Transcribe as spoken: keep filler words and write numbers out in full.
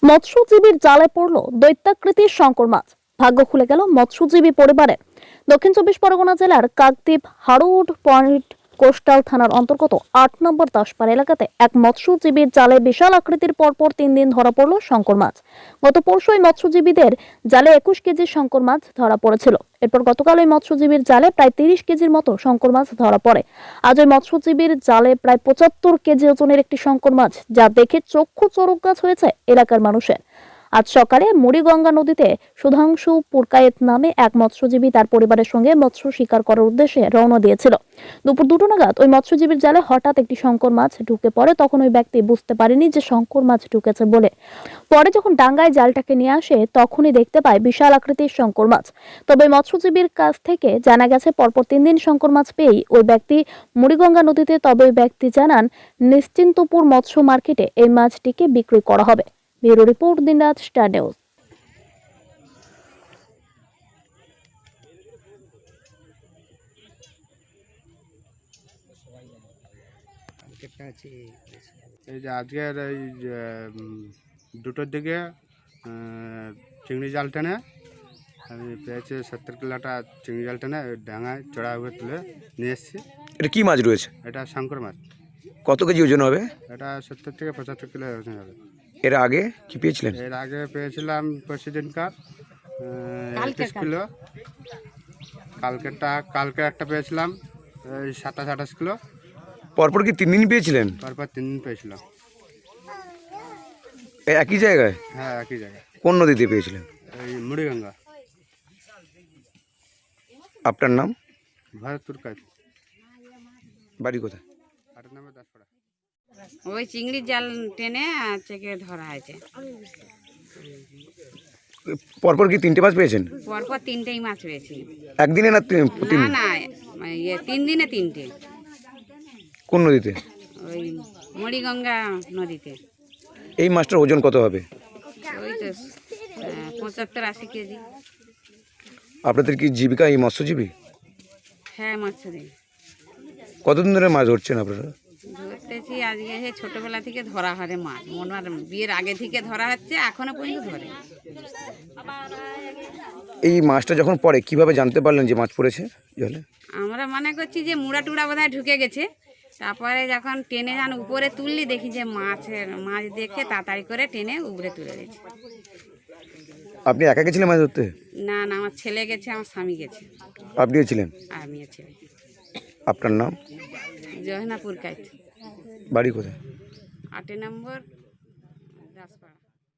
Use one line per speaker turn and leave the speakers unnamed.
মৎস্যজীবীর জালে পড়ল দৈত্যাকৃতির শঙ্কর মাছ। ভাগ্য খুলে গেল মৎস্যজীবী পরিবারের। দক্ষিণ চব্বিশ পরগনা জেলার কাকদ্বীপ হারুড পয়েন্ট কোস্টাল থানার অন্তর্গত আট নম্বর দাসপাড়া এলাকাতে এক মৎস্যজীবীর জালে বিশাল আকৃতির পরপর তিন দিন ধরা পড়ল শঙ্কর মাছ। গত পরশু ওই মৎস্যজীবীদের জালে একুশ কেজি শঙ্কর মাছ ধরা পড়েছিল। এরপর গতকাল ওই মৎস্যজীবীর জালে প্রায় তিরিশ কেজির মতো শঙ্কর মাছ ধরা পড়ে। আজ ওই মৎস্যজীবীর জালে প্রায় পঁচাত্তর কেজি ওজনের একটি শঙ্কর মাছ, যা দেখে চক্ষু চড়ক গাছ হয়েছে এলাকার মানুষের। আজ সকালে মুড়িগঙ্গা নদীতে সুধাংশু পুরকায়েত নামে এক মৎস্যজীবী তার পরিবারের সঙ্গে মৎস্য শিকার করার উদ্দেশ্যে রওনা দিয়েছিল। দুপুর দুটো নাগাদ ওই মৎস্যজীবীর জালে হঠাৎ একটি শঙ্কর মাছ ঢুকে পড়ে। তখন ওই ব্যক্তি বুঝতে পারেনি যে শঙ্কর মাছ ঢুকেছে বলে। পরে যখন ডাঙ্গায় জালটাকে নিয়ে আসে তখনই দেখতে পায় বিশাল আকৃতির শঙ্কর মাছ। তবে মৎস্যজীবীর কাছ থেকে জানা গেছে পরপর তিন দিন শঙ্কর মাছ পেয়েই ওই ব্যক্তি মুড়িগঙ্গা নদীতে তবে ওই ব্যক্তি জানান নিশ্চিন্তপুর মৎস্য মার্কেটে এই মাছটিকে বিক্রি করা হবে। Bureau report, Dinraat star news.
এই যে আজকের এই যে দুটোর দিকে চিংড়ি জাল টেনে আমি পেয়েছি সত্তর কিলোটা চিংড়ি জাল টেনে ডাঙায় চড়া হয়ে তুলে নিয়ে এসেছি।
এটা কি মাছ রয়েছে?
এটা শঙ্কর মাছ।
কত কেজি ওজন হবে?
এটা সত্তর থেকে পঁচাত্তর কিলো ওজন হবে।
এর আগে কি পেয়েছিলেন?
এর আগে পেয়েছিলাম পরশু দিনকার একত্রিশ কিলো। কালকেরটা কালকে একটা পেয়েছিলাম এই সাতাশ আঠাশ কিলো।
পরপর কি তিন দিন পেয়েছিলেন?
পরপর তিন দিন পেয়েছিলাম।
এই একই জায়গায়?
হ্যাঁ, একই জায়গায়।
কোন নদীতে পেয়েছিলেন?
এই মুড়িগঙ্গা।
আপনার নাম?
ভরতপুর কাজ।
বাড়ি কোথায়?
আট নম্বর দাসপাড়া।
ওই চিংড়ির জাল টেনে চেকে ধরা হয়েছে।
পরপর কি তিনটে মাছ পেয়েছেন?
পরপর তিনটেই মাছ পেয়েছি।
একদিনে না তিন তিন?
না না, ইয়ে তিন দিনে তিনটে।
কোন নদীতে?
ওই মুড়িগঙ্গা নদীতে।
এই মাছটার ওজন কত হবে?
ওই তো আহ, পঁচাত্তর আশি কেজি।
আপনাদের কি জীবিকা এই মৎস্যজীবী?
হ্যাঁ, মৎস্যজীবী।
কতদিন ধরে মাছ ধরছেন আপনারা?
ধরতেছি আজকে সে ছোটবেলা থেকে ধরা হয় মাছ, মনে হয় বিয়ের আগে থেকে ধরা হচ্ছে, এখনো পর্যন্ত ধরে।
এই মাছটা যখন পড়ে কিভাবে জানতে পারলেন যে মাছ পড়েছে জলে?
আমরা মনে করছি যে মুড়া টুড়া বোধহয় ঢুকে গেছে। তারপরে যখন টেনে যান উপরে তুললি দেখি যে মাছের মাছ দেখে তাড়াতাড়ি করে টেনে উপরে তুলে দিয়েছে।
আপনি একা গেছিলেন মাছ ধরতে?
না না, আমার ছেলে গেছে, আমার স্বামী গেছে,
আপনিও ছিলেন?
আমিও ছেলে।
আপনার নাম?
জহনাপুর কাইত।
বাড়ি কোথায়?
আট নম্বর দাসপাড়া।